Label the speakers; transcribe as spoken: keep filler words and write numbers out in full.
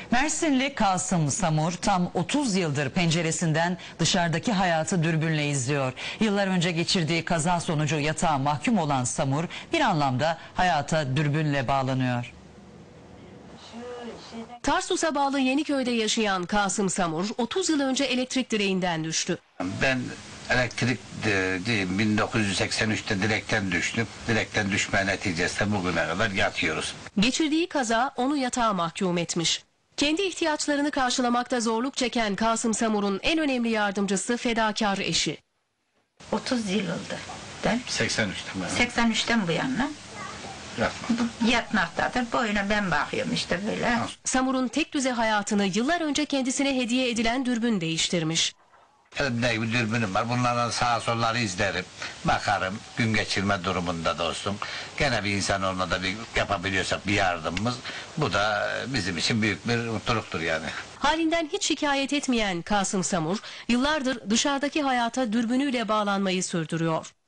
Speaker 1: Mersinli Kasım Samur tam otuz yıldır penceresinden dışarıdaki hayatı dürbünle izliyor. Yıllar önce geçirdiği kaza sonucu yatağa mahkum olan Samur bir anlamda hayata dürbünle bağlanıyor.
Speaker 2: Tarsus'a bağlı Yeniköy'de yaşayan Kasım Samur otuz yıl önce elektrik direğinden düştü.
Speaker 3: Ben elektrik diyeyim bin dokuz yüz seksen üçte direkten düştüm. Direkten düşme neticesinde bugüne kadar yatıyoruz.
Speaker 2: Geçirdiği kaza onu yatağa mahkum etmiş. Kendi ihtiyaçlarını karşılamakta zorluk çeken Kasım Samur'un en önemli yardımcısı fedakar eşi.
Speaker 4: otuz yıl oldu. Ben
Speaker 3: seksen üçten beri.
Speaker 4: seksen üçten bu yana
Speaker 3: Yatma.
Speaker 4: yatmaktadır. Boyuna ben bakıyorum işte böyle.
Speaker 2: Samur'un tek düze hayatını yıllar önce kendisine hediye edilen dürbün değiştirmiş.
Speaker 3: Elimde gibi dürbünüm var. Bunlardan sağa solları izlerim. Bakarım. Gün geçirme durumunda dostum. Gene bir insan olmada bir yapabiliyorsak bir yardımımız. Bu da bizim için büyük bir mutluluktur yani.
Speaker 2: Halinden hiç şikayet etmeyen Kasım Samur yıllardır dışarıdaki hayata dürbünüyle bağlanmayı sürdürüyor.